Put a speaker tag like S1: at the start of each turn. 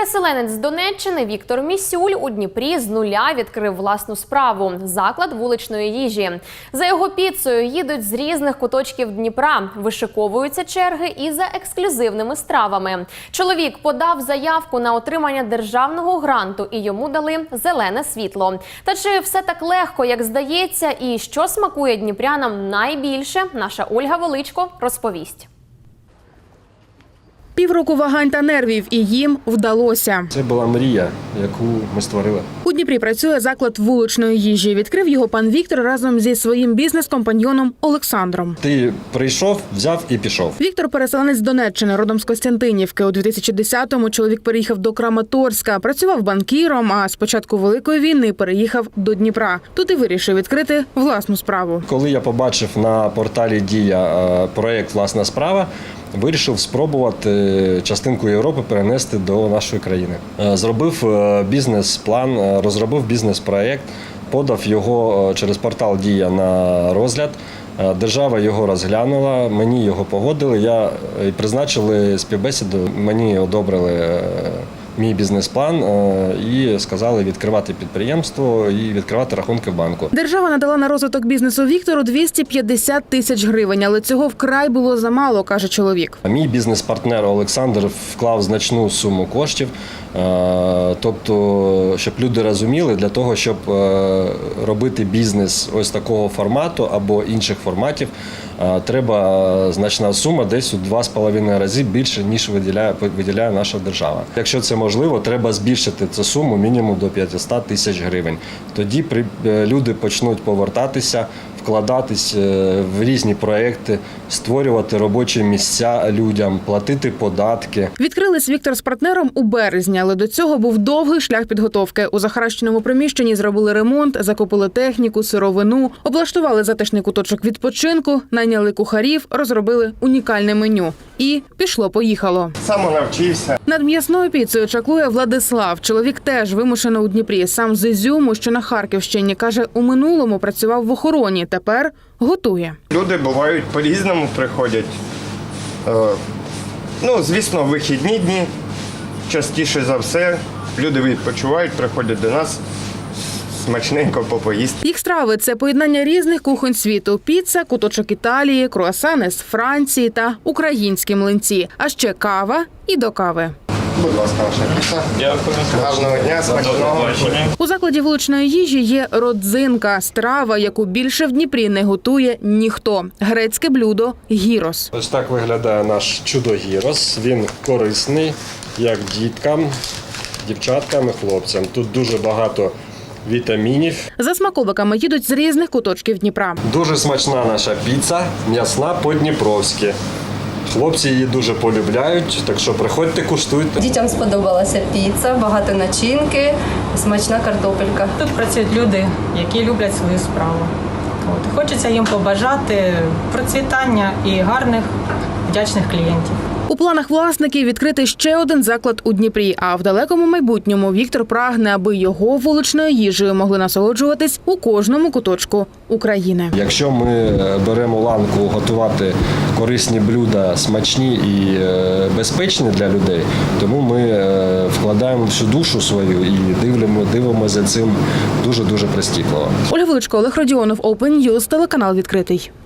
S1: Переселенець з Донеччини Віктор Місюль у Дніпрі з нуля відкрив власну справу – заклад вуличної їжі. За його піцею їдуть з різних куточків Дніпра, вишиковуються черги і за ексклюзивними стравами. Чоловік подав заявку на отримання державного гранту і йому дали зелене світло. Та чи все так легко, як здається, і що смакує дніпрянам найбільше, наша Ольга Величко розповість.
S2: Півроку вагань та нервів, і їм вдалося.
S3: Це була мрія, яку ми створили.
S2: У Дніпрі працює заклад вуличної їжі. Відкрив його пан Віктор разом зі своїм бізнес-компаньйоном Олександром.
S3: Ти прийшов, взяв і пішов.
S2: Віктор – переселенець з Донеччини, родом з Костянтинівки. У 2010-му чоловік переїхав до Краматорська, працював банкіром, а з початку Великої війни переїхав до Дніпра. Тут і вирішив відкрити власну справу.
S3: Коли я побачив на порталі «Дія» проєкт «Власна справа», вирішив спробувати частинку Європи перенести до нашої країни. Зробив бізнес-план, розробив бізнес-проєкт, подав його через портал «Дія» на розгляд. Держава його розглянула, мені його погодили, призначили співбесіду, мені одобрили мій бізнес-план і сказали відкривати підприємство і відкривати рахунки в банку.
S2: Держава надала на розвиток бізнесу Віктору 250 тисяч гривень, але цього вкрай було замало, каже чоловік.
S3: Мій бізнес-партнер Олександр вклав значну суму коштів, тобто, щоб люди розуміли, для того, щоб робити бізнес ось такого формату або інших форматів, треба значна сума, десь у 2,5 рази більше, ніж виділяє наша держава. Якщо це можливо, треба збільшити цю суму мінімум до 500 тисяч гривень. Тоді люди почнуть повертатися, вкладатись в різні проекти, створювати робочі місця людям, платити податки.
S2: Відкрились Віктор з партнером у березні, але до цього був довгий шлях підготовки. У захаращеному приміщенні зробили ремонт, закупили техніку, сировину, облаштували затишний куточок відпочинку, найняли кухарів, розробили унікальне меню. І пішло-поїхало.
S4: Сам навчився.
S2: Над м'ясною піцею чаклує Владислав. Чоловік теж вимушено у Дніпрі. Сам з Ізюму, що на Харківщині. Каже, у минулому працював в охороні, тепер готує.
S4: Люди бувають по-різному, приходять. Звісно, вихідні дні. Частіше за все люди відпочивають, приходять до нас. Смачненько попоїсти.
S2: Їх страви – це поєднання різних кухонь світу. Піца, куточок Італії, круасани з Франції та українські млинці. А ще кава і до кави.
S4: Будь ласка, ваша піца. Дякую. Гарного дня, смачного.
S2: У закладі вуличної їжі є родзинка – страва, яку більше в Дніпрі не готує ніхто. Грецьке блюдо – гірос.
S3: Ось так виглядає наш чудо-гірос. Він корисний як діткам, дівчаткам і хлопцям. Тут дуже багато вітамінів.
S2: За смаколиками їдуть з різних куточків Дніпра.
S3: Дуже смачна наша піца, м'ясна по-дніпровськи. Хлопці її дуже полюбляють, так що приходьте, куштуйте.
S5: Дітям сподобалася піца, багато начинки, смачна картопелька.
S6: Тут працюють люди, які люблять свою справу. Хочеться їм побажати процвітання і гарних, вдячних клієнтів.
S2: У планах власників відкрити ще один заклад у Дніпрі, а в далекому майбутньому Віктор прагне, аби його вуличною їжею могли насолоджуватись у кожному куточку України.
S3: Якщо ми беремо ланку готувати корисні блюда, смачні і безпечні для людей, тому ми вкладаємо всю душу свою і дивимося за цим дуже-дуже прискіпливо.
S2: Ольга Величко, Олег Родіонов, Open News, телеканал «Відкритий».